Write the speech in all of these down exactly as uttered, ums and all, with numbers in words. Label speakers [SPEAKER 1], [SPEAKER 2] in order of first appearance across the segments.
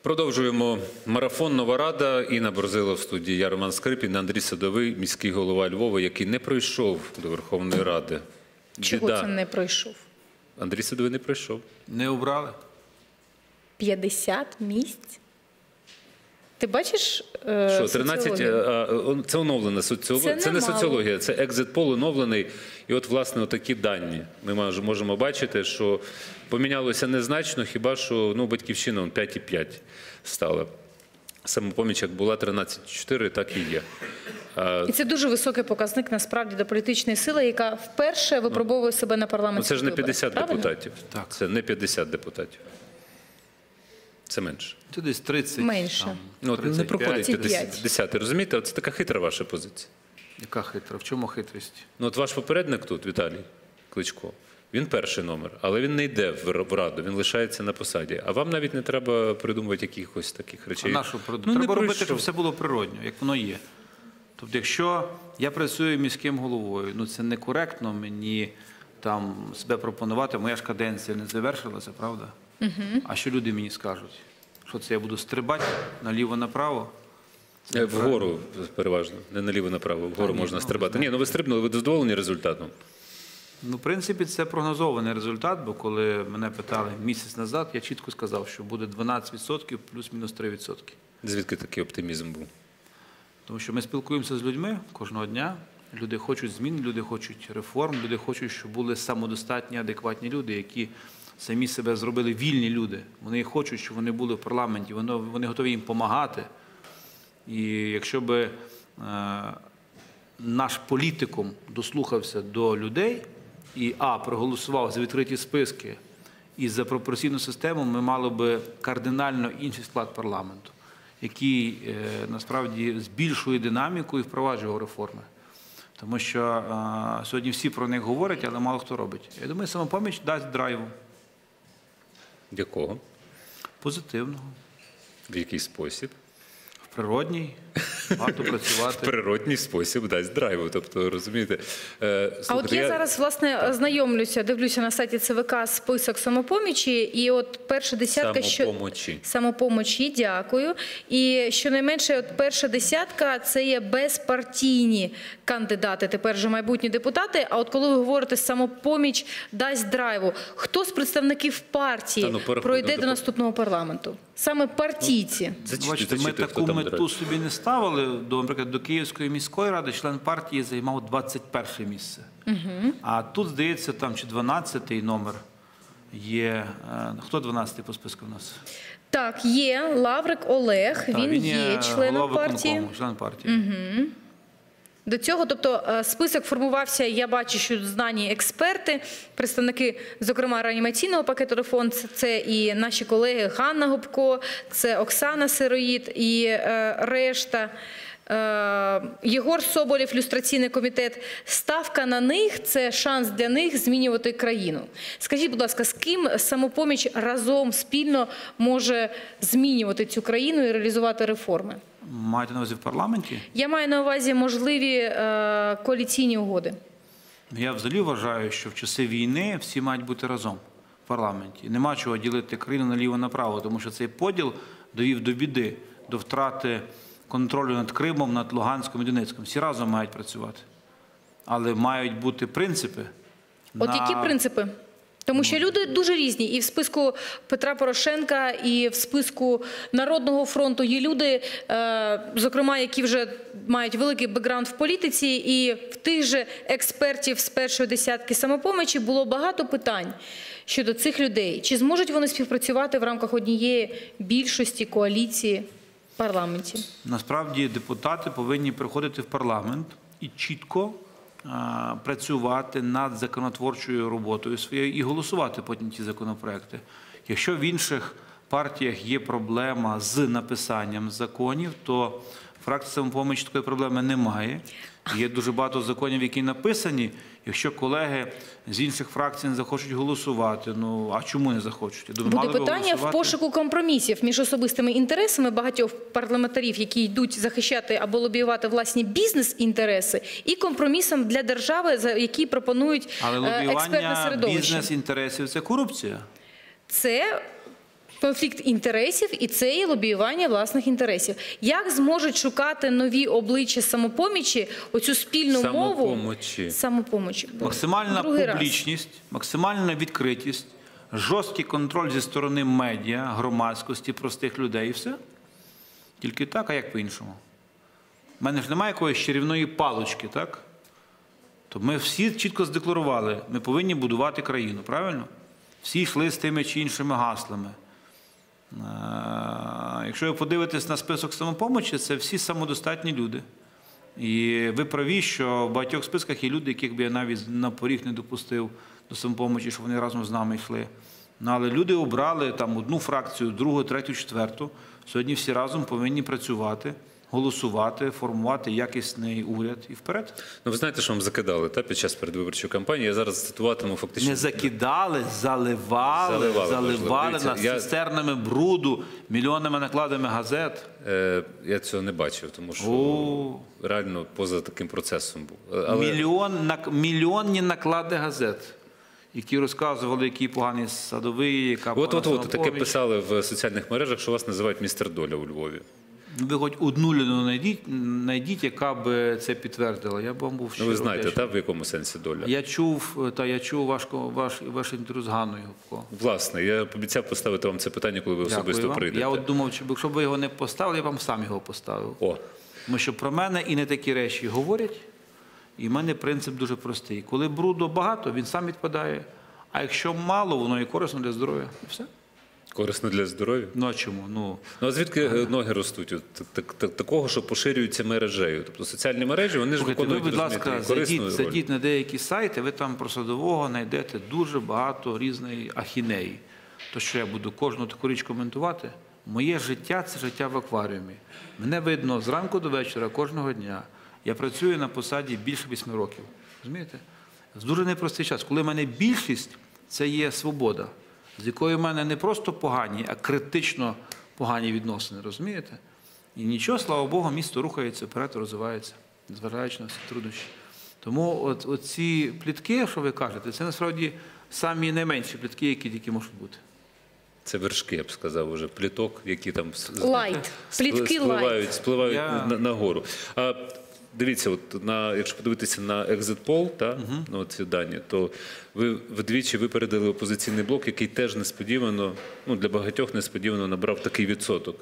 [SPEAKER 1] Продовжуємо марафон «Нова Рада». Інна Борзило в студії, я Роман Скрипін, Андрій Садовий, міський голова Львова, який не пройшов до Верховної Ради.
[SPEAKER 2] Чого
[SPEAKER 1] Біда.
[SPEAKER 2] це не пройшов?
[SPEAKER 1] Андрій Садовий не пройшов.
[SPEAKER 3] Не обрали?
[SPEAKER 2] п'ятдесят місць? Ти бачиш е,
[SPEAKER 1] Що, тринадцять, а, це оновлена соціологія. Це, це не соціологія, це екзит-пол оновлений. І от, власне, такі дані. Ми можемо бачити, що помінялося незначно, хіба що ну, Батьківщина п'ять і п'ять стала. Самопоміч, як була тринадцять і чотири, так і є.
[SPEAKER 2] І це дуже високий показник, насправді, до політичної сили, яка вперше випробовує себе на парламентських
[SPEAKER 1] виборах. Це ж не п'ятдесят
[SPEAKER 2] виборах,
[SPEAKER 1] депутатів.
[SPEAKER 3] Так.
[SPEAKER 1] Це не п'ятдесят депутатів. Це менше.
[SPEAKER 3] Це десь тридцять.
[SPEAKER 2] Менше.
[SPEAKER 3] Там,
[SPEAKER 1] Ну, от не проходить
[SPEAKER 2] п'ятдесят.
[SPEAKER 1] п'ятдесят, розумієте? Це така хитра ваша позиція.
[SPEAKER 3] Яка хитра? В чому хитрість?
[SPEAKER 1] Ну, от ваш попередник тут, Віталій Кличко, він перший номер, але він не йде в Раду, він лишається на посаді. А вам навіть не треба придумувати якихось таких речей.
[SPEAKER 3] А на що придумати?
[SPEAKER 1] Ну,
[SPEAKER 3] Треба
[SPEAKER 1] не
[SPEAKER 3] робити,
[SPEAKER 1] пройшов.
[SPEAKER 3] щоб все було природньо, як воно є. Тобто, якщо я працюю міським головою, ну це некоректно мені там себе пропонувати, моя ж каденція не завершилася, правда? Угу. А що люди мені скажуть? Що це я буду стрибати наліво-направо?
[SPEAKER 1] Е, Вгору переважно, не наліво-направо, вгору
[SPEAKER 3] ні,
[SPEAKER 1] можна
[SPEAKER 3] ну,
[SPEAKER 1] стрибати. Ні, ну ви стрибнули, ви задоволені результатом?
[SPEAKER 3] Ну, в принципі, це прогнозований результат, бо коли мене питали місяць назад, я чітко сказав, що буде дванадцять відсотків плюс-мінус три відсотки.
[SPEAKER 1] Звідки такий оптимізм був?
[SPEAKER 3] Тому що ми спілкуємося з людьми кожного дня. Люди хочуть змін, люди хочуть реформ, люди хочуть, щоб були самодостатні, адекватні люди, які самі себе зробили вільні люди. Вони хочуть, щоб вони були в парламенті, вони, вони готові їм допомагати. І якщо б е, наш політикум дослухався до людей і, а, проголосував за відкриті списки і за пропорційну систему, ми мали б кардинально інший склад парламенту, який е, насправді збільшує динаміку і впроваджує реформи. Тому що е, сьогодні всі про них говорять, але мало хто робить. Я думаю, Самопоміч дасть драйву.
[SPEAKER 1] Якого?
[SPEAKER 3] Позитивного.
[SPEAKER 1] В який спосіб?
[SPEAKER 3] В природній. Варто працювати.
[SPEAKER 1] В природній спосіб дасть драйву. Тобто, розумієте... Е,
[SPEAKER 2] а от я, я зараз, власне, так. знайомлюся, дивлюся на сайті ЦВК список Самопомічі, і от перша десятка...
[SPEAKER 1] Самопомочі.
[SPEAKER 2] Що... Самопомочі, дякую. І щонайменше от перша десятка – це є безпартійні кандидати, тепер вже майбутні депутати. А от коли ви говорите «Самопоміч дасть драйву», хто з представників партії Та, ну, пройде до, до наступного парламенту? Саме партійці.
[SPEAKER 1] Ну, зачити,
[SPEAKER 3] Бачите, ми
[SPEAKER 1] зачити,
[SPEAKER 3] таку мету собі не ставили. До, наприклад, до Київської міської ради член партії займав двадцять перше місце. Угу. А тут, здається, там чи дванадцятий номер є. Хто дванадцятий по списку в нас?
[SPEAKER 2] Так, є Лаврик Олег,
[SPEAKER 3] Так,
[SPEAKER 2] він,
[SPEAKER 3] він
[SPEAKER 2] є,
[SPEAKER 3] є
[SPEAKER 2] членом партії.
[SPEAKER 3] Член партії.
[SPEAKER 2] Угу. До цього, тобто, список формувався, я бачу, що знані експерти, представники, зокрема, реанімаційного пакету реформ, це і наші колеги Ганна Гопко, це Оксана Сироїд і е, решта. Е, Єгор Соболєв, люстраційний комітет. Ставка на них – це шанс для них змінювати країну. Скажіть, будь ласка, з ким Самопоміч разом, спільно може змінювати цю країну і реалізувати реформи?
[SPEAKER 3] Маєте на увазі в парламенті?
[SPEAKER 2] Я маю на увазі можливі е, коаліційні угоди.
[SPEAKER 3] Я взагалі вважаю, що в часи війни всі мають бути разом в парламенті. Нема чого ділити країну наліво-направо, тому що цей поділ довів до біди, до втрати контролю над Кримом, над Луганськом і Донецьком. Всі разом мають працювати. Але мають бути принципи.
[SPEAKER 2] От
[SPEAKER 3] на...
[SPEAKER 2] які принципи? Тому що люди дуже різні. І в списку Петра Порошенка, і в списку Народного фронту є люди, зокрема, які вже мають великий бекграунд в політиці, і в тих же експертів з першої десятки Самопомочі було багато питань щодо цих людей. Чи зможуть вони співпрацювати в рамках однієї більшості коаліції в парламенті?
[SPEAKER 3] Насправді депутати повинні приходити в парламент і чітко працювати над законотворчою роботою своєю і голосувати потім ці законопроекти. Якщо в інших партіях є проблема з написанням законів, то фракція «Самопоміч» такої проблеми немає. Є дуже багато законів, які написані. Якщо колеги з інших фракцій не захочуть голосувати, ну а чому не захочуть? Я думаю,
[SPEAKER 2] буде
[SPEAKER 3] мали
[SPEAKER 2] питання
[SPEAKER 3] голосувати.
[SPEAKER 2] В пошуку компромісів між особистими інтересами багатьох парламентарів, які йдуть захищати або лобіювати власні бізнес-інтереси, і компромісом для держави, які пропонують
[SPEAKER 3] Але
[SPEAKER 2] експертне
[SPEAKER 3] лобіювання
[SPEAKER 2] середовище.
[SPEAKER 3] бізнес-інтересів – це корупція.
[SPEAKER 2] Це конфлікт інтересів і це є лобіювання власних інтересів. Як зможуть шукати нові обличчя самопомічі оцю спільну мову?
[SPEAKER 1] Самопомочі.
[SPEAKER 2] Самопомочі.
[SPEAKER 3] Максимальна
[SPEAKER 2] Другий раз.
[SPEAKER 3] публічність, максимальна відкритість, жорсткий контроль зі сторони медіа, громадськості, простих людей і все. Тільки так, а як по-іншому? У мене ж немає якоїсь чарівної палочки, так? То ми всі чітко здекларували, ми повинні будувати країну, правильно? Всі йшли з тими чи іншими гаслами. Якщо ви подивитесь на список самопомочі, це всі самодостатні люди. І ви праві, що в багатьох списках є люди, яких би я навіть на поріг не допустив до самопомочі, щоб вони разом з нами йшли. Ну, але люди обрали там одну фракцію, другу, третю, четверту. Сьогодні всі разом повинні працювати, голосувати, формувати якісний уряд і вперед.
[SPEAKER 1] Ну, ви знаєте, що вам закидали та, під час передвиборчої кампанії? Я зараз цитуватиму фактично...
[SPEAKER 3] Не закидали, заливали, заливали,
[SPEAKER 1] заливали
[SPEAKER 3] нас
[SPEAKER 1] я...
[SPEAKER 3] цистернами бруду, мільйонними накладами газет.
[SPEAKER 1] Е, я цього не бачив, тому що
[SPEAKER 3] О.
[SPEAKER 1] реально поза таким процесом був. Але...
[SPEAKER 3] Мільйон, на, мільйонні наклади газет, які розказували, який поганий Садовий, яка погана
[SPEAKER 1] От-от-от, таке
[SPEAKER 3] Самопоміч.
[SPEAKER 1] писали в соціальних мережах, що вас називають містер Доля у Львові.
[SPEAKER 3] Ви хоч одну людину знайдіть, знайдіть, яка б це підтвердила. Я б вам був
[SPEAKER 1] Ну,
[SPEAKER 3] щиро
[SPEAKER 1] ви знаєте,
[SPEAKER 3] вдячний.
[SPEAKER 1] та, в якому сенсі доля?
[SPEAKER 3] Я чув, та я чув ваш, ваш, ваш інтерв'ю з Ганною Гопко.
[SPEAKER 1] Власне, я обіцяв поставити вам це питання, коли ви
[SPEAKER 3] Дякую
[SPEAKER 1] особисто
[SPEAKER 3] вам.
[SPEAKER 1] прийдете.
[SPEAKER 3] Я от думав, чи, якщо б ви його не поставили, я б вам сам його поставив.
[SPEAKER 1] О,
[SPEAKER 3] Тому що про мене і не такі речі говорять, і в мене принцип дуже простий. Коли бруду багато, він сам відпадає, а якщо мало, воно і корисно для здоров'я. І все.
[SPEAKER 1] корисно для здоров'я.
[SPEAKER 3] Ну а чому? Ну,
[SPEAKER 1] Ну, а звідки е, ноги ростуть? От, так, так, такого, що поширюються мережею. Тобто соціальні мережі, вони ж
[SPEAKER 3] слухайте, ви,
[SPEAKER 1] виконують,
[SPEAKER 3] будь
[SPEAKER 1] розумієте,
[SPEAKER 3] ласка,
[SPEAKER 1] і корисну
[SPEAKER 3] зайдіть,
[SPEAKER 1] роль.
[SPEAKER 3] зайдіть на деякі сайти, ви там про Садового знайдете дуже багато різної ахінеї. То що я буду кожну таку річ коментувати? Моє життя – це життя в акваріумі. Мене видно зранку до вечора, кожного дня. Я працюю на посаді більше восьми років. Розумієте? В дуже непростий час. Коли в мене більшість – це є свобода, з якою в мене не просто погані, а критично погані відносини. Розумієте? І нічого, слава Богу, місто рухається вперед, розвивається, незважаючи на всі труднощі. Тому от, от ці плітки, що ви кажете, це насправді самі найменші плітки, які тільки можуть бути.
[SPEAKER 1] Це вершки, я б сказав, уже пліток, які там з-
[SPEAKER 2] Лайт. Плітки
[SPEAKER 1] спливають,
[SPEAKER 2] лайт.
[SPEAKER 1] спливають
[SPEAKER 3] Я-
[SPEAKER 1] на, нагору. А дивіться, от на, якщо подивитися на екзит пол, та,
[SPEAKER 3] Угу.
[SPEAKER 1] на ці дані, то ви вдвічі випередили опозиційний блок, який теж несподівано, ну, для багатьох несподівано набрав такий відсоток.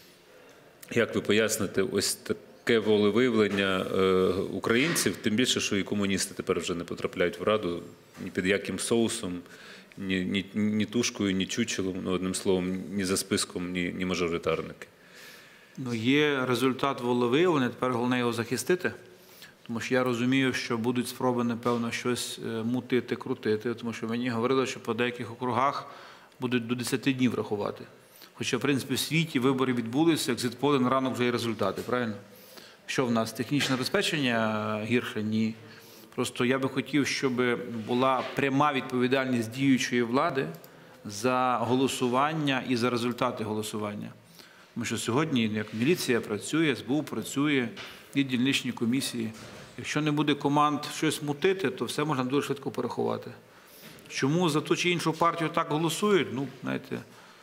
[SPEAKER 1] Як ви поясните ось таке волевиявлення е, українців, тим більше, що і комуністи тепер вже не потрапляють в Раду ні під яким соусом, ні, ні, ні тушкою, ні чучелом, ну, одним словом, ні за списком, ні, ні мажоритарники.
[SPEAKER 3] Ну, є результат волевиявлення, тепер головне його захистити. Тому що я розумію, що будуть спроби, напевно, щось е, мутити, крутити. Тому що мені говорили, що по деяких округах будуть до десяти днів рахувати. Хоча, в принципі, в світі вибори відбулися, екзит-поли на ранок вже є результати, правильно? Що в нас? Технічне забезпечення гірше? Ні. Просто я би хотів, щоб була пряма відповідальність діючої влади за голосування і за результати голосування. Тому що сьогодні, як міліція працює, ес бе у працює, і дільничні комісії. Якщо не буде команд щось мутити, то все можна дуже швидко порахувати. Чому за ту чи іншу партію так голосують? Ну, знаєте,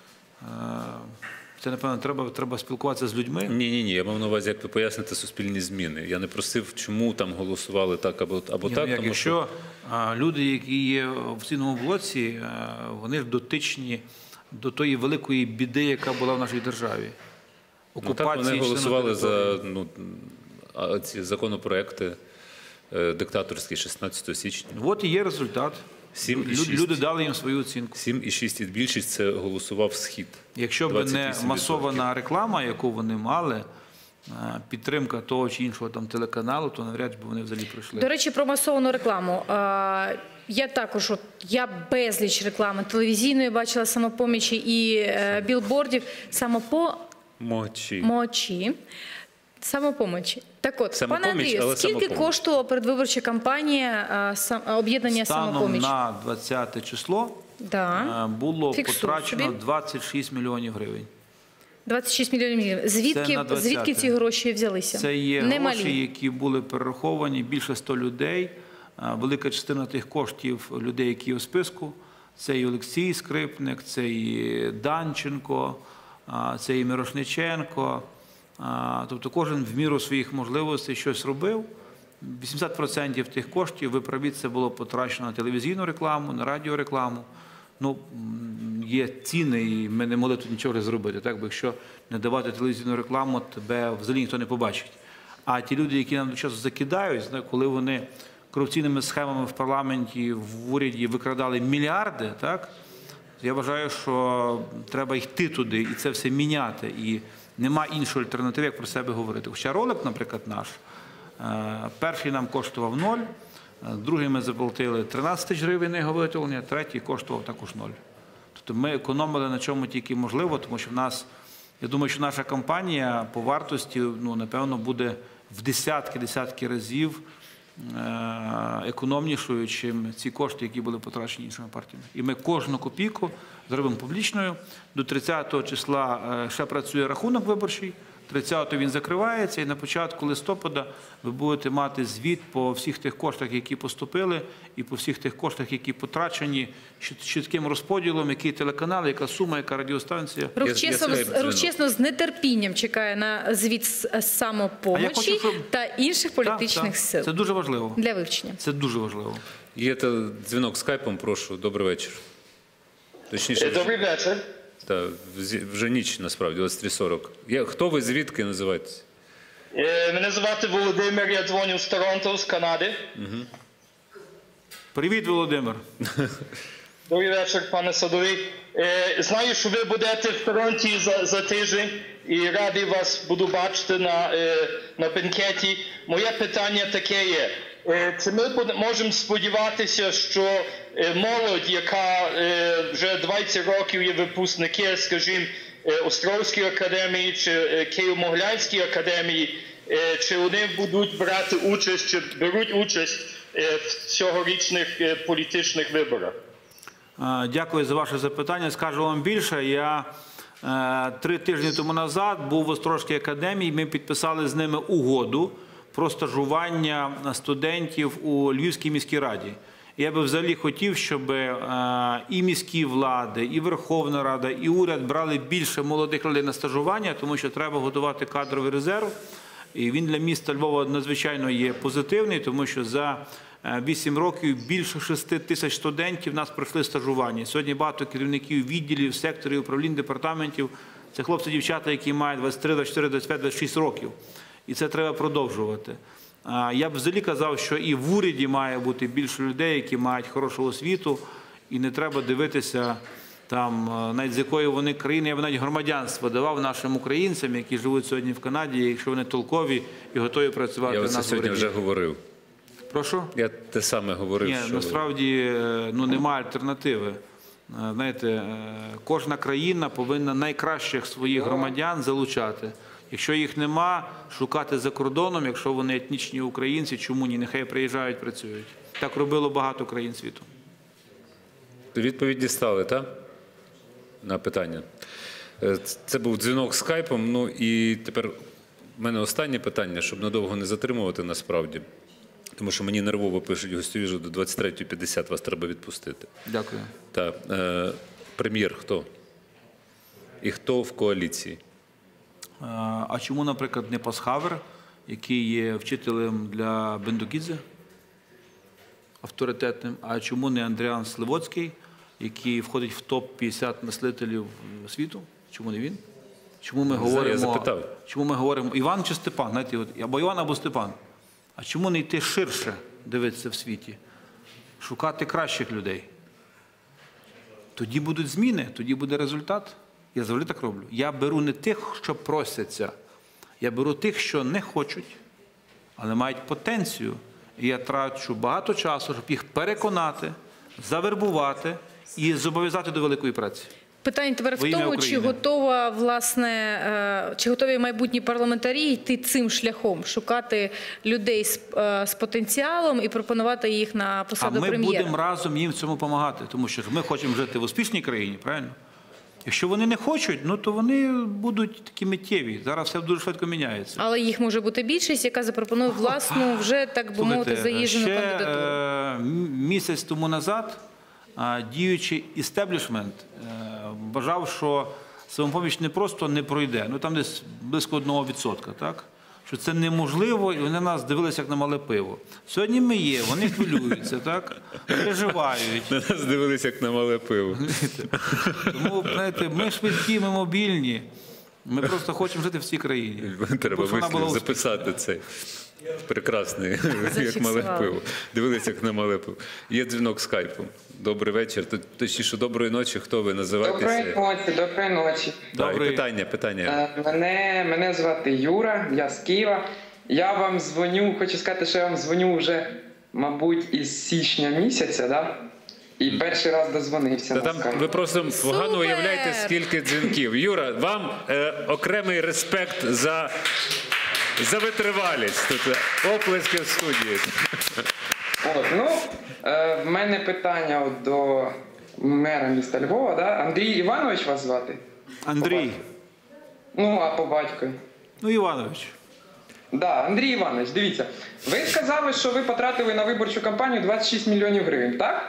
[SPEAKER 3] це, напевно, треба, треба спілкуватися з людьми.
[SPEAKER 1] Ні, ні, ні. Я мав на увазі, як ви поясните суспільні зміни. Я не просив, чому там голосували так або, або
[SPEAKER 3] Ні,
[SPEAKER 1] так.
[SPEAKER 3] ну, як,
[SPEAKER 1] тому
[SPEAKER 3] якщо
[SPEAKER 1] що...
[SPEAKER 3] а, люди, які є в цінному блоці, а, вони ж дотичні до тої великої біди, яка була в нашій державі.
[SPEAKER 1] Ну, так, вони
[SPEAKER 3] чи
[SPEAKER 1] голосували
[SPEAKER 3] на
[SPEAKER 1] за
[SPEAKER 3] території.
[SPEAKER 1] ну, а ці законопроекти е, диктаторські шістнадцятого січня.
[SPEAKER 3] От і є результат.
[SPEAKER 1] Сім і
[SPEAKER 3] Лю-
[SPEAKER 1] шість.
[SPEAKER 3] Люди дали їм свою оцінку.
[SPEAKER 1] сім і шість і більшість це голосував Схід.
[SPEAKER 3] Якщо б
[SPEAKER 1] двадцять
[SPEAKER 3] не
[SPEAKER 1] вісім відсотків.
[SPEAKER 3] масована реклама, яку вони мали, а, підтримка того чи іншого там телеканалу, то навряд чи б вони взагалі прийшли.
[SPEAKER 2] До речі, про масовану рекламу. Е, Я також, от, я безліч реклами телевізійної бачила самопомічі і е, білбордів
[SPEAKER 1] Мочі.
[SPEAKER 2] самопомочі. Самопомочі. Так от,
[SPEAKER 1] Самопоміч,
[SPEAKER 2] пане Андрію,
[SPEAKER 1] але
[SPEAKER 2] скільки
[SPEAKER 1] самопоміч.
[SPEAKER 2] коштувала передвиборча кампанія е, сам- е, об'єднання
[SPEAKER 3] Станом
[SPEAKER 2] самопоміч?
[SPEAKER 3] на двадцяте число
[SPEAKER 2] Да.
[SPEAKER 3] а, було
[SPEAKER 2] Фіксую
[SPEAKER 3] потрачено
[SPEAKER 2] собі.
[SPEAKER 3] двадцять шість мільйонів гривень.
[SPEAKER 2] двадцять шість мільйонів гривень.
[SPEAKER 3] Це
[SPEAKER 2] Звідки,
[SPEAKER 3] на двадцяте.
[SPEAKER 2] звідки ці гроші взялися?
[SPEAKER 3] Це є
[SPEAKER 2] Немалі.
[SPEAKER 3] гроші, які були перераховані, більше ста людей. А, Велика частина тих коштів людей, які є у списку, Це і Олексій Скрипник, це і Данченко, це і Мірошниченко. Тобто кожен в міру своїх можливостей щось робив. вісімдесят відсотків тих коштів, ви праві, це було потрачено на телевізійну рекламу, на радіорекламу. Ну, є ціни, і ми не могли тут нічого зробити. Так? Бо якщо не давати телевізійну рекламу, тебе взагалі ніхто не побачить. А ті люди, які нам часу закидають, коли вони корупційними схемами в парламенті, в уряді викрадали мільярди, так? Я вважаю, що треба йти туди і це все міняти. І нема іншої альтернативи, як про себе говорити. Хоча ролик, наприклад, наш, перший нам коштував ноль, другий ми заплатили тринадцять тисяч гривень на його виготовлення, третій коштував також ноль. Тобто ми економили на чому тільки можливо, тому що в нас, я думаю, що наша кампанія по вартості, ну, напевно, буде в десятки-десятки разів економнішою, ніж ці кошти, які були потрачені іншими партіями. І ми кожну копійку зробимо публічною. До тридцятого числа ще працює рахунок виборчий, тридцятого він закривається, і на початку листопада ви будете мати звіт по всіх тих коштах, які поступили, і по всіх тих коштах, які потрачені, чітким розподілом, який телеканал, яка сума, яка радіостанція.
[SPEAKER 2] Рух чесно, Рух чесно з нетерпінням чекає на звіт з самопомочі
[SPEAKER 3] хочу, щоб...
[SPEAKER 2] та інших політичних
[SPEAKER 3] так, так.
[SPEAKER 2] сил.
[SPEAKER 3] Це дуже важливо.
[SPEAKER 2] Для вивчення.
[SPEAKER 3] Це дуже важливо.
[SPEAKER 1] Є дзвінок скайпом, прошу. Добрий вечір. Точніше,
[SPEAKER 4] Добрий вечір.
[SPEAKER 1] Так, вже ніч, насправді, двадцять три сорок. Хто ви, звідки називаєтесь?
[SPEAKER 4] Мене звати Володимир, я дзвоню з Торонто, з Канади.
[SPEAKER 1] Угу.
[SPEAKER 3] Привіт, Володимир.
[SPEAKER 4] Добрий вечір, пане Садовий. Знаю, що ви будете в Торонті за, за тиждень і радий вас буду бачити на, на бенкеті. Моє питання таке є. Чи ми можемо сподіватися, що молодь, яка вже двадцять років є випускники, скажімо, Острозької академії чи Києво-Могилянської академії, чи вони будуть брати участь, чи беруть участь в цьогорічних політичних виборах?
[SPEAKER 3] Дякую за ваше запитання. Скажу вам більше. Я три тижні тому назад був в Острозькій академії, ми підписали з ними угоду про стажування студентів у Львівській міській раді. Я би взагалі хотів, щоб і міські влади, і Верховна Рада, і уряд брали більше молодих людей на стажування, тому що треба готувати кадровий резерв. І він для міста Львова надзвичайно є позитивний, тому що за вісім років більше шести тисяч студентів в нас пройшли стажування. Сьогодні багато керівників відділів, секторів, управлінь, департаментів. Це хлопці-дівчата, які мають двадцять три, двадцять чотири, двадцять п'ять, двадцять шість років. І це треба продовжувати. Я б взагалі казав, що і в уряді має бути більше людей, які мають хорошу освіту, і не треба дивитися, там, навіть з якої вони країни, я б навіть громадянство давав нашим українцям, які живуть сьогодні в Канаді, якщо вони толкові і готові працювати в нас в уряді.
[SPEAKER 1] Я сьогодні вже говорив.
[SPEAKER 3] Прошу?
[SPEAKER 1] Я те саме говорив.
[SPEAKER 3] Ні,
[SPEAKER 1] що...
[SPEAKER 3] насправді, ну, немає альтернативи. Знаєте, кожна країна повинна найкращих своїх громадян залучати. Якщо їх нема, шукати за кордоном, якщо вони етнічні українці, чому ні? Нехай приїжджають, працюють. Так робило багато країн світу.
[SPEAKER 1] Відповідь дістали, так? На питання. Це був дзвінок скайпом. Ну і тепер в мене останнє питання, щоб надовго не затримувати насправді. Тому що мені нервово пишуть гостєві, що до двадцять третьої п'ятдесят вас треба відпустити.
[SPEAKER 3] Дякую.
[SPEAKER 1] Так. Е, прем'єр хто? І хто в коаліції?
[SPEAKER 3] А чому, наприклад, не Пасхавер, який є вчителем для Бендукідзе, авторитетним? А чому не Андріан Сливоцький, який входить в топ п'ятдесят мислителів світу? Чому не він? Чому ми говоримо...
[SPEAKER 1] Я запитав.
[SPEAKER 3] Чому ми говоримо Іван чи Степан? Знаєте, от, або Іван, або Степан. А чому не йти ширше дивитися в світі? Шукати кращих людей. Тоді будуть зміни, тоді буде результат. Я завжди так роблю. Я беру не тих, що просяться. Я беру тих, що не хочуть, але мають потенцію. І я трачу багато часу, щоб їх переконати, завербувати і зобов'язати до великої праці.
[SPEAKER 2] Питання тепер в тому, чи готова, власне, чи готові майбутні парламентарі йти цим шляхом, шукати людей з, з потенціалом і пропонувати їх на посаду прем'єра?
[SPEAKER 3] А ми будемо разом їм в цьому допомагати, тому що ми хочемо жити в успішній країні, правильно? Якщо вони не хочуть, ну то вони будуть такі миттєві. Зараз все дуже швидко міняється.
[SPEAKER 2] Але їх може бути більшість, яка запропонує власну, вже, так би мовити, заїжджену кандидатуру.
[SPEAKER 3] Ще місяць тому назад а, діючий істеблішмент вважав, що «Самопоміч» не просто не пройде, ну там десь близько одного відсотка, так? Що це неможливо, і вони на нас дивилися, як на мале пиво. Сьогодні ми є, вони хвилюються, так? Переживають.
[SPEAKER 1] На нас дивилися, як на мале пиво.
[SPEAKER 3] Тому, знаєте, ми швидкі, ми мобільні. Ми просто хочемо жити в цій країні.
[SPEAKER 1] Треба
[SPEAKER 3] Щоб вона була
[SPEAKER 1] вислів записати цей. Прекрасний, як мале пиво. Дивилися, як на мале пиво. Є дзвінок скайпом. Добрий вечір. Точніше, доброї ночі. Хто ви називаєтеся?
[SPEAKER 5] Доброї ночі, доброї ночі.
[SPEAKER 1] Так,
[SPEAKER 3] Добрий.
[SPEAKER 1] питання, питання.
[SPEAKER 5] Е, Мене, мене звати Юра, я з Києва. Я вам дзвоню, хочу сказати, що я вам дзвоню вже, мабуть, із січня місяця, да? І перший раз дозвонився
[SPEAKER 1] Та
[SPEAKER 5] на
[SPEAKER 1] там
[SPEAKER 5] скайп.
[SPEAKER 1] ви просто погано
[SPEAKER 2] Супер!
[SPEAKER 1] уявляєте, скільки дзвінків. Юра, вам е, окремий респект за, за витривалість. Тут оплески в студії.
[SPEAKER 5] От, ну, е, в мене питання от до мера міста Львова, да? Андрій Іванович вас звати?
[SPEAKER 3] Андрій.
[SPEAKER 5] Ну, а по батькові?
[SPEAKER 3] Ну, Іванович.
[SPEAKER 5] Да, Андрій Іванович, дивіться. Ви сказали, що ви потратили на виборчу кампанію двадцять шість мільйонів гривень, так?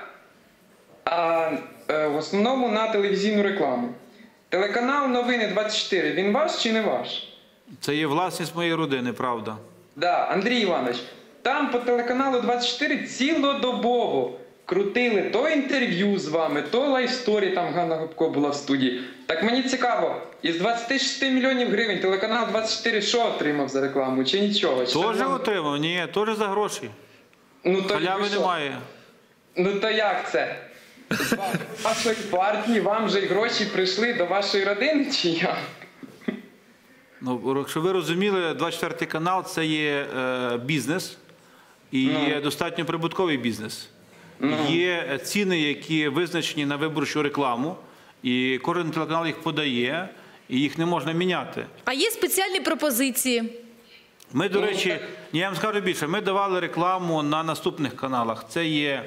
[SPEAKER 5] А е, в основному на телевізійну рекламу. Телеканал Новини двадцять чотири, він ваш чи не ваш?
[SPEAKER 3] Це є власність моєї родини, правда.
[SPEAKER 5] Да, Андрій Іванович, там по телеканалу двадцять чотири цілодобово крутили то інтерв'ю з вами, то лайфсторі, там Ганна Гопко була в студії. Так мені цікаво, із двадцять шість мільйонів гривень телеканал двадцять чотири що отримав за рекламу, чи нічого? Чи
[SPEAKER 3] Теж
[SPEAKER 5] там-
[SPEAKER 3] отримав? Ні, теж за гроші.
[SPEAKER 5] Ну, то
[SPEAKER 3] Халяви
[SPEAKER 5] ви що?
[SPEAKER 3] немає.
[SPEAKER 5] Ну то як це? З ва- вашої партії вам же й гроші прийшли до вашої родини, чи як?
[SPEAKER 3] Ну, якщо ви розуміли, двадцять четвертий канал – це є е, бізнес, і є достатньо прибутковий бізнес. Є ціни, які визначені на виборчу рекламу, і кожен телеканал їх подає, і їх не можна міняти.
[SPEAKER 2] А є спеціальні пропозиції.
[SPEAKER 3] Ми, до речі, я вам скажу більше, ми давали рекламу на наступних каналах. Це є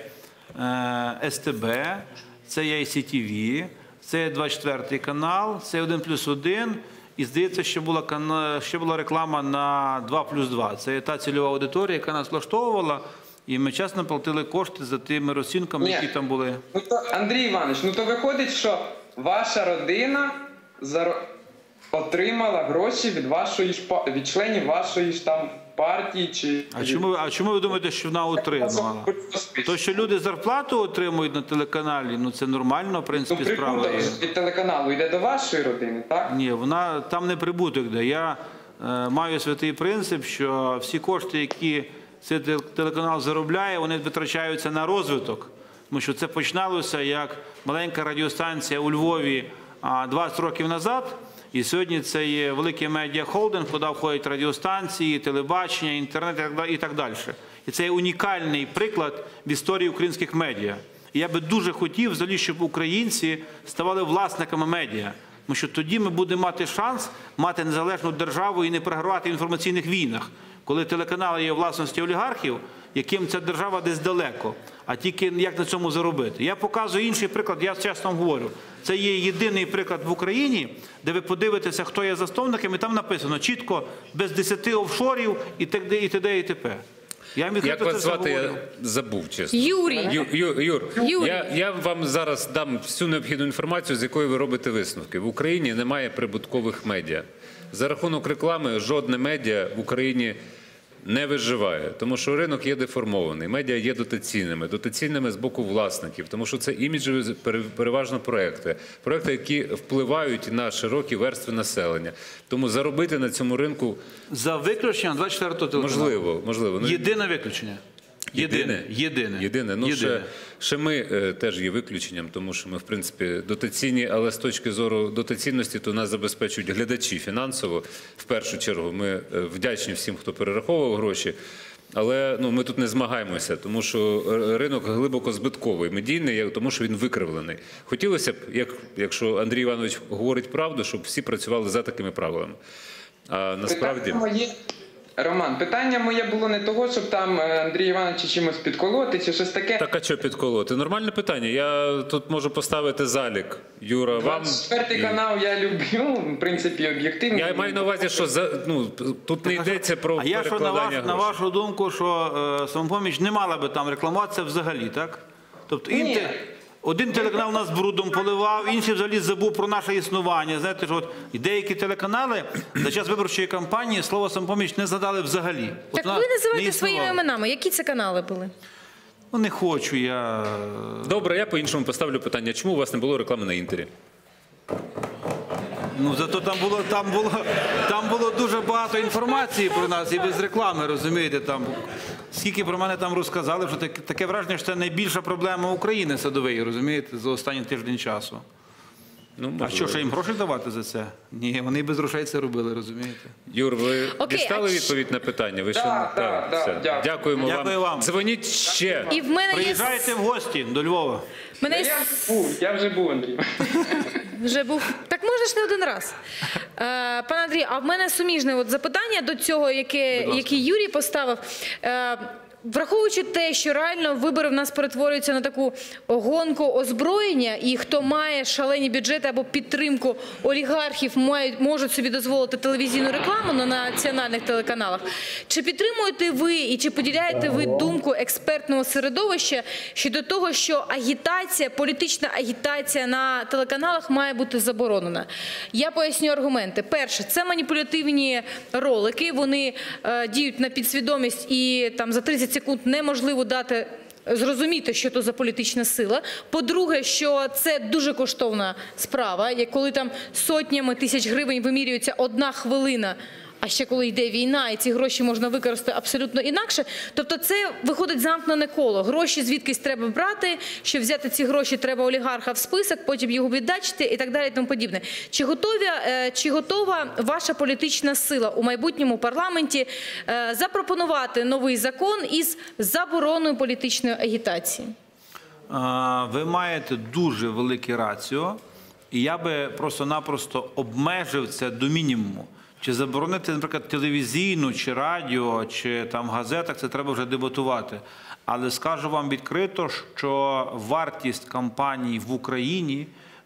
[SPEAKER 3] е, С Т Б, це є Ай Сі Ті Ві, це є двадцять четвертий канал, це один плюс один. І здається, що була, кана- ще була реклама на два плюс два. Це є та цільова аудиторія, яка нас влаштовувала, і ми чесно платили кошти за тими розцінками,
[SPEAKER 5] Ні.
[SPEAKER 3] які там були.
[SPEAKER 5] Ну то, Андрій Іванович, ну то виходить, що ваша родина заро- отримала гроші від вашої ж па- від членів вашої ж там партії чи.
[SPEAKER 3] А чому, а чому ви думаєте, що вона отримала? То, що люди зарплату отримують на телеканалі, ну це нормально, в
[SPEAKER 5] Ну,
[SPEAKER 3] принципі, справа
[SPEAKER 5] прибуток
[SPEAKER 3] є.
[SPEAKER 5] від телеканалу йде до вашої родини, так?
[SPEAKER 3] Ні, вона там не прибуток де. Я е, маю святий принцип, що всі кошти, які цей те- телеканал заробляє, вони витрачаються на розвиток. Тому що це починалося як маленька радіостанція у Львові а, двадцять років назад. І сьогодні це є великий медіахолдинг, куди входять радіостанції, телебачення, інтернет і так да- і так далі. І це є унікальний приклад в історії українських медіа. І я би дуже хотів, взагалі, щоб українці ставали власниками медіа. Тому що тоді ми будемо мати шанс мати незалежну державу і не програвати в інформаційних війнах, коли телеканали є у власності олігархів, яким ця держава десь далеко, а тільки як на цьому заробити. Я показую інший приклад, я чесно вам говорю. Це є єдиний приклад в Україні, де ви подивитеся, хто є засновником, і там написано чітко, без десяти офшорів і т.д. і т.д. і т.п. Я вам
[SPEAKER 1] Як
[SPEAKER 3] відкрито це
[SPEAKER 1] вас
[SPEAKER 3] все
[SPEAKER 1] звати,
[SPEAKER 3] говорю.
[SPEAKER 1] я забув, чесно.
[SPEAKER 2] Юрій.
[SPEAKER 1] Ю, Ю, Юр,
[SPEAKER 2] Юрій.
[SPEAKER 1] Я, я вам зараз дам всю необхідну інформацію, з якої ви робите висновки. В Україні немає прибуткових медіа. За рахунок реклами жодне медіа в Україні не виживає, тому що ринок є деформований, медіа є дотаційними, дотаційними з боку власників, тому що це іміджеві пере- переважно проекти, проекти, які впливають на широкі верстви населення. Тому заробити на цьому ринку
[SPEAKER 3] За виключенням двадцять четвертого телеканалу.
[SPEAKER 1] можливо, можливо. Ну,
[SPEAKER 3] Єдине виключення. Єдине. Єдине.
[SPEAKER 1] Єдине. Ну,
[SPEAKER 3] Єдине.
[SPEAKER 1] Ще, ще ми е, теж є виключенням, тому що ми, в принципі, дотаційні, але з точки зору дотаційності, то нас забезпечують глядачі фінансово. В першу чергу ми е, вдячні всім, хто перераховував гроші. Але ну, ми тут не змагаємося, тому що ринок глибоко збитковий, медійний, тому що він викривлений. Хотілося б, як, якщо Андрій Іванович говорить правду, щоб всі працювали за такими правилами. А насправді...
[SPEAKER 5] Питання моє, Роман, питання моє було не того, щоб там е, Андрій Івановича чимось підколоти чи щось таке.
[SPEAKER 1] Так, а що підколоти? Нормальне питання. Я тут можу поставити залік. Юра, вам...
[SPEAKER 5] двадцять четвертий
[SPEAKER 1] і-
[SPEAKER 5] канал я люблю, в принципі, об'єктивно.
[SPEAKER 1] Я маю на увазі, що за, ну, тут не йдеться про
[SPEAKER 3] А я що на,
[SPEAKER 1] перекладання
[SPEAKER 3] ваш, на
[SPEAKER 1] грошей.
[SPEAKER 3] вашу думку, що е, «Самопоміч» не мала би там рекламуватися взагалі, так? Тобто
[SPEAKER 5] Ні.
[SPEAKER 3] інтер... Один телеканал нас брудом поливав, інший взагалі забув про наше існування. Знаєте, що от і деякі телеканали за час виборчої кампанії слово «Самопоміч» не згадали взагалі. От
[SPEAKER 2] Так
[SPEAKER 3] вона
[SPEAKER 2] ви
[SPEAKER 3] не
[SPEAKER 2] називаєте
[SPEAKER 3] існувала.
[SPEAKER 2] своїми іменами. Які це канали були?
[SPEAKER 3] Ну, не хочу я.
[SPEAKER 1] Добре, я по-іншому поставлю питання. Чому у вас не було реклами на Інтері?
[SPEAKER 3] Ну, зато там було, там було, там було дуже багато інформації про нас і без реклами, розумієте, там. Скільки про мене там розказали, що таке, таке враження, що це найбільша проблема України Садовий, розумієте, за останній тиждень часу.
[SPEAKER 1] Ну,
[SPEAKER 3] А що, ще їм гроші давати за це? Ні, вони без грошей це робили, розумієте?
[SPEAKER 1] Юр, ви
[SPEAKER 2] Окей,
[SPEAKER 1] дістали
[SPEAKER 2] а
[SPEAKER 1] відповідь на питання? Ви
[SPEAKER 5] Да,
[SPEAKER 1] ще...
[SPEAKER 5] да,
[SPEAKER 1] Так,
[SPEAKER 5] да,
[SPEAKER 1] все.
[SPEAKER 5] дякую.
[SPEAKER 1] Дякуємо
[SPEAKER 3] Дякую вам.
[SPEAKER 1] Дзвоніть ще.
[SPEAKER 2] І в мене є...
[SPEAKER 3] Приїжджайте в гості до Львова.
[SPEAKER 2] в мене є...
[SPEAKER 5] Я був, я вже був, Андрій.
[SPEAKER 2] Вже був. Так можна ж не один раз. Е, пане Андрій, а в мене суміжне от запитання до цього, яке, яке Юрій поставив. Е, Враховуючи те, що реально вибори в нас перетворюються на таку гонку озброєння, і хто має шалені бюджети або підтримку олігархів, мають, можуть собі дозволити телевізійну рекламу на національних телеканалах. Чи підтримуєте ви і чи поділяєте ви думку експертного середовища щодо того, що агітація, політична агітація на телеканалах має бути заборонена? Я поясню аргументи. Перше, це маніпулятивні ролики, вони е, діють на підсвідомість і там за тридцять секунд неможливо дати зрозуміти, що то за політична сила. По-друге, що це дуже коштовна справа, як коли там сотнями тисяч гривень вимірюється одна хвилина, а ще коли йде війна, і ці гроші можна використати абсолютно інакше. Тобто це виходить замкнене коло. Гроші звідкись треба брати, щоб взяти ці гроші, треба олігарха в список, потім його віддачити і так далі і тому подібне. Чи готові, чи готова ваша політична сила у майбутньому парламенті запропонувати новий закон із забороною політичної агітації?
[SPEAKER 3] Ви маєте дуже велике раціо, і я би просто-напросто обмежив це до мінімуму. Чи заборонити, наприклад, телевізійну, чи радіо, чи там в газетах, це треба вже дебатувати. Але скажу вам відкрито, що вартість кампаній в Україні,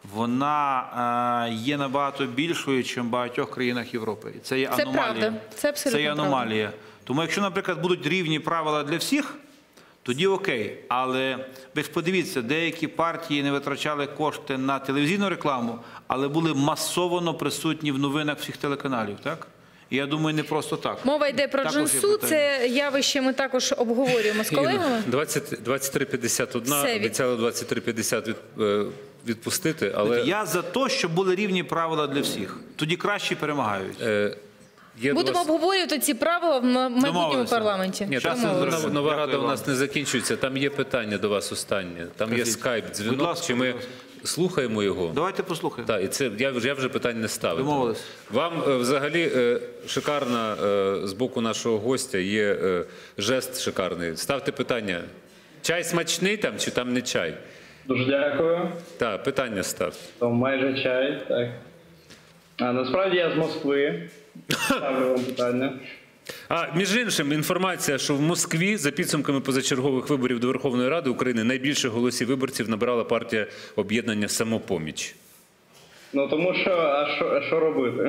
[SPEAKER 3] вона е, є набагато більшою, ніж в багатьох країнах Європи. І це є
[SPEAKER 2] Це
[SPEAKER 3] аномалія.
[SPEAKER 2] правда. Це абсолютно
[SPEAKER 3] Це є аномалія. Тому якщо, наприклад, будуть рівні правила для всіх, тоді окей. Але ви ж подивіться, деякі партії не витрачали кошти на телевізійну рекламу, але були масово присутні в новинах всіх телеканалів, так? І я думаю, не просто так.
[SPEAKER 2] Мова йде про
[SPEAKER 3] Також є
[SPEAKER 2] джинсу,
[SPEAKER 3] питання.
[SPEAKER 2] це явище ми також обговорюємо з колегами.
[SPEAKER 1] двадцять три п'ятдесят один,
[SPEAKER 2] Все від-
[SPEAKER 1] обіцяли двадцять три п'ятдесят від, е, відпустити, але
[SPEAKER 3] Я за те, щоб були рівні правила для всіх. Тоді кращі перемагають.
[SPEAKER 1] е, є до
[SPEAKER 2] Будемо
[SPEAKER 1] вас-
[SPEAKER 2] обговорювати ці правила в майбутньому
[SPEAKER 3] Домовилися.
[SPEAKER 2] парламенті.
[SPEAKER 1] Ні,
[SPEAKER 3] Щас
[SPEAKER 1] там
[SPEAKER 3] я
[SPEAKER 1] нова,
[SPEAKER 3] зроблю.
[SPEAKER 1] нова
[SPEAKER 3] Дякую
[SPEAKER 1] рада у
[SPEAKER 3] вам.
[SPEAKER 1] нас не закінчується. Там є питання до вас останнє. Там є
[SPEAKER 3] Кажіть.
[SPEAKER 1] скайп,
[SPEAKER 3] Будь
[SPEAKER 1] дзвінок.
[SPEAKER 3] ласка,
[SPEAKER 1] Чи ми
[SPEAKER 3] будь ласка.
[SPEAKER 1] слухаємо його?
[SPEAKER 3] Давайте послухаємо.
[SPEAKER 1] Так, і це я вже я вже питань не ставлю.
[SPEAKER 3] Домовились.
[SPEAKER 1] Вам е, взагалі е, шикарна е, з боку нашого гостя є е, жест шикарний. Ставте питання. Чай смачний там чи там не чай?
[SPEAKER 6] Дуже дякую.
[SPEAKER 1] Так, питання ставте.
[SPEAKER 6] То майже чай, так. А насправді я з Москви. Ставлю вам питання.
[SPEAKER 1] А між іншим, інформація, що в Москві за підсумками позачергових виборів до Верховної Ради України найбільше голосів виборців набирала партія об'єднання «Самопоміч».
[SPEAKER 6] Ну тому що, а що, а що робити?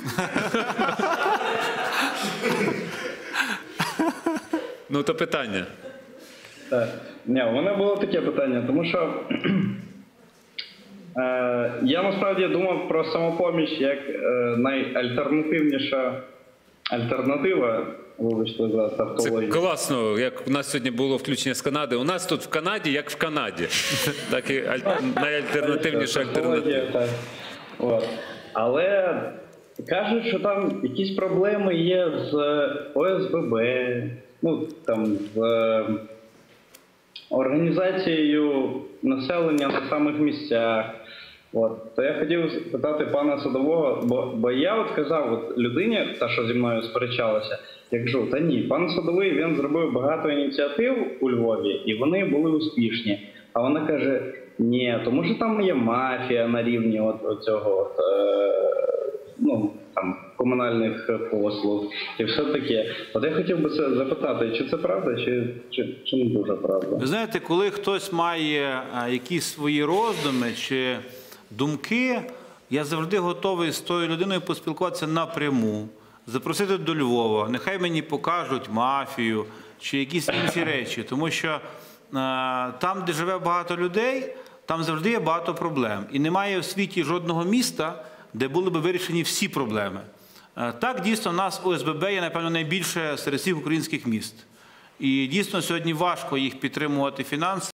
[SPEAKER 1] Ну, то питання.
[SPEAKER 6] Так. Ні, у мене було таке питання, тому що е, я насправді думав про самопоміч як е, найальтернативніша альтернатива, вибачте за
[SPEAKER 1] Це
[SPEAKER 6] тавтологію.
[SPEAKER 1] класно, як у нас сьогодні було включення з Канади. У нас тут в Канаді, як в Канаді. Так і аль- найальтернативніша альтернатива.
[SPEAKER 6] Так. От. Але кажуть, що там якісь проблеми є з О С Б Б, ну там з е, організацією населення на самих місцях. От. То я хотів питати пана Садового, бо, бо я от казав от людині, та що зі мною сперечалася, я кажу, та ні, пан Садовий, він зробив багато ініціатив у Львові, і вони були успішні. А вона каже, ні, тому що там є мафія на рівні от, от цього от, е, ну, там, комунальних послуг і все таке. От я хотів би це запитати, чи це правда, чи, чи, чи не дуже правда?
[SPEAKER 3] Ви знаєте, коли хтось має а, якісь свої роздуми чи думки, я завжди готовий з тою людиною поспілкуватися напряму, запросити до Львова, нехай мені покажуть мафію чи якісь інші речі, тому що а, там, де живе багато людей, там завжди є багато проблем. І немає в світі жодного міста, де були б вирішені всі проблеми. Так, дійсно, у нас О С Б Б є, напевно, найбільше серед всіх українських міст. І дійсно сьогодні важко їх підтримувати фінансово.